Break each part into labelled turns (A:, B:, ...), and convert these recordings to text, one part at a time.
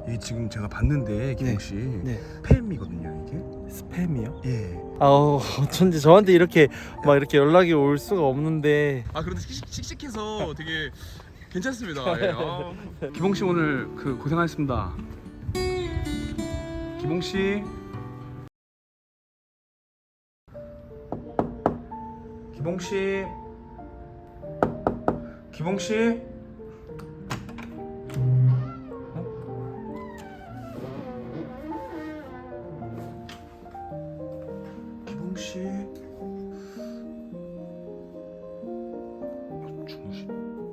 A: 이게 지금 제가 봤는데 기봉 씨
B: 네.
A: 스팸이거든요 이게.
B: 스팸이요?
A: 예.
B: 어쩐지 저한테 이렇게 막 이렇게 연락이 올 수가 없는데.
A: 아 그래도 씩씩해서 되게 괜찮습니다. 예. 기봉 씨 오늘 그 고생하셨습니다. 기봉 씨. 기봉 씨. 기봉 씨. 기봉 씨. 주무시.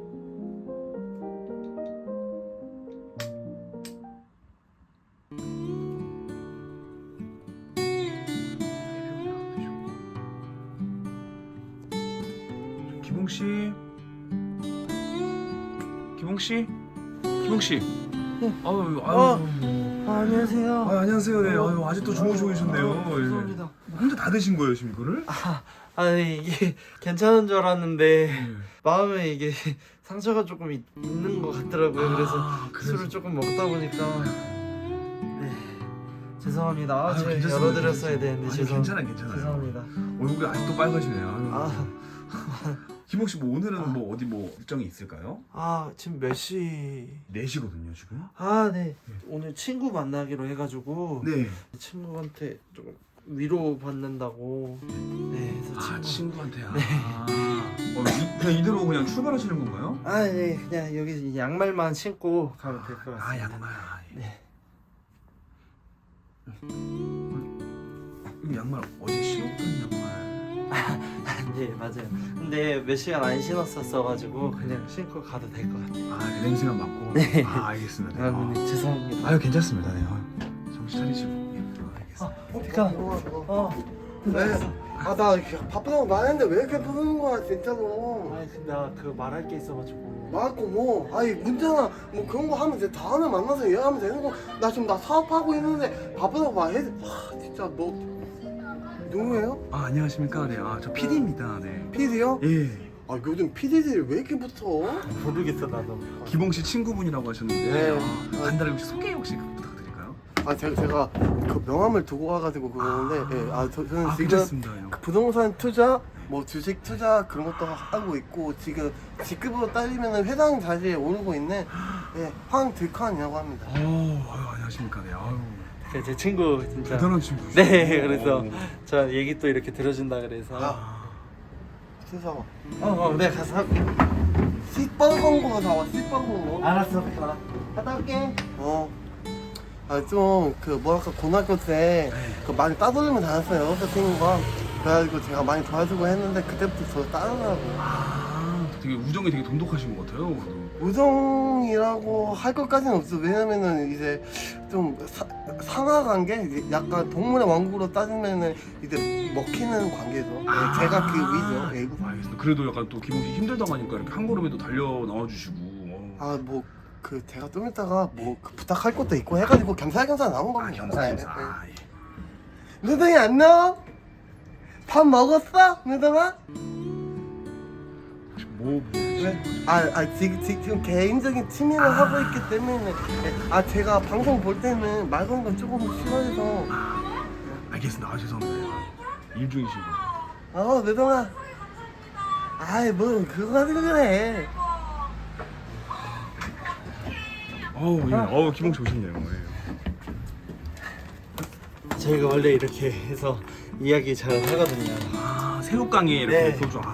A: 기봉 씨. 기봉 씨. 기봉 씨. 아유.
B: 안녕하세요.
A: 안녕하세요. 네. 아유, 아직도 주무시고 계셨네요.
B: 죄송합니다.
A: 혼자 다 드신 거예요, 지금 이거를?
B: 아니 이게 괜찮은 줄 알았는데 마음에 이게 상처가 조금 있는 것 같더라고요. 그래서 술을 조금 먹다 보니까 네 죄송합니다.
A: 아유,
B: 제가
A: 괜찮습니다.
B: 열어드렸어야 되는데
A: 아니, 괜찮아요.
B: 죄송합니다.
A: 얼굴이 아직도 빨개지네요.
B: 아
A: 기봉 씨, 뭐 오늘은 뭐 어디 뭐 일정이 있을까요?
B: 지금 몇 시?
A: 4시거든요, 지금.
B: 네. 오늘 친구 만나기로 해가지고
A: 네.
B: 친구한테 조금 위로 받는다고. 네, 그래서
A: 친구한테요. 네. 그냥 이대로 그냥 출발하시는 건가요?
B: 네, 그냥 여기 양말만 신고 가면 될 것 같습니다.
A: 양말.
B: 네.
A: 이 양말 어제 신었던 양말.
B: 네, 맞아요. 근데 몇 시간 안 신었었어가지고 그냥 신고 가도 될 것 같아요.
A: 냄새만 맡고.
B: 네.
A: 알겠습니다. 네.
B: 네, 죄송합니다.
A: 아유, 괜찮습니다. 네. 정신 차리시고. 알겠습니다.
B: 네.
C: 나 바쁘다고 말했는데 왜 이렇게 부르는 거야 진짜로.
B: 근데 나 그 말할 게 있어가지고.
C: 맞고 뭐 문제나 뭐 그런 거 하면 이제 다음에 만나서 얘기하면 되는 거. 나 지금 사업하고 있는데 바쁘다고 말해. 진짜 너 누구예요?
A: 안녕하십니까. 네. 저 PD입니다. 네.
C: PD요?
A: 예.
C: 요즘 PD들이 왜 이렇게 붙어?
B: 모르겠어 나도.
A: 기봉 씨 친구분이라고 하셨는데
C: 네.
A: 간단하게 혹시 소개 혹시 부탁드릴까요?
C: 제가 그 명함을 두고 와가지고 그러는데 저는 지금
A: 괜찮습니다.
C: 그 부동산 투자, 뭐 주식 투자 그런 것도 하고 있고 지금 직급으로 따지면 회장 자리에 오르고 있는 황득환이라고 합니다.
A: 아유, 안녕하십니까. 네. 아유.
B: 제 친구 진짜.
A: 대단한 친구시죠.
B: 네, 그래서 저 얘기 또 이렇게 들어준다 그래서.
C: 세상아.
B: 네 가서.
C: 시뻘건 거 사와. 시뻘건 거.
B: 알았어, 갔다 올게.
C: 좀 그 뭐랄까 고등학교 때 그 많이 따돌리면 다녔어요. 여섯 친구가. 그래가지고 제가 많이 도와주고 했는데 그때부터 저 따르더라고요.
A: 되게 우정이 되게 돈독하신 것 같아요.
C: 우정이라고 할 것까지는 없어. 왜냐면은 이제 좀 상하관계, 이제 약간 동물의 왕국으로 따지면은 이제 먹히는 관계죠. 제가 그 위죠.
A: 알겠습니다. 그래도 약간 또 기봉 씨 힘들다고 하니까 이렇게 한 걸음에 또 달려 나와주시고.
C: 제가 좀 이따가 그 부탁할 것도 있고 해가지고 겸사겸사 나온 겁니다.
A: 겸사겸사.
C: 누동이 안 나와? 밥 먹었어? 누동아?
A: 뭐
C: 왜? 지금 개인적인 취미를 하고 있기 때문에 제가 방송 볼 때는 말 거는 거 조금 싫어해서.
A: 알겠습니다. 죄송합니다. 일 중이신 거.
C: 누동아. 뭐 그거 가지고 그래.
A: 기봉 씨 오셨네요.
B: 저희가 원래 이렇게 해서 이야기 잘 하거든요.
A: 새우깡에 이렇게
B: 네.
A: 소주.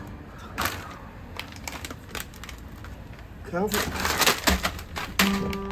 C: 그냥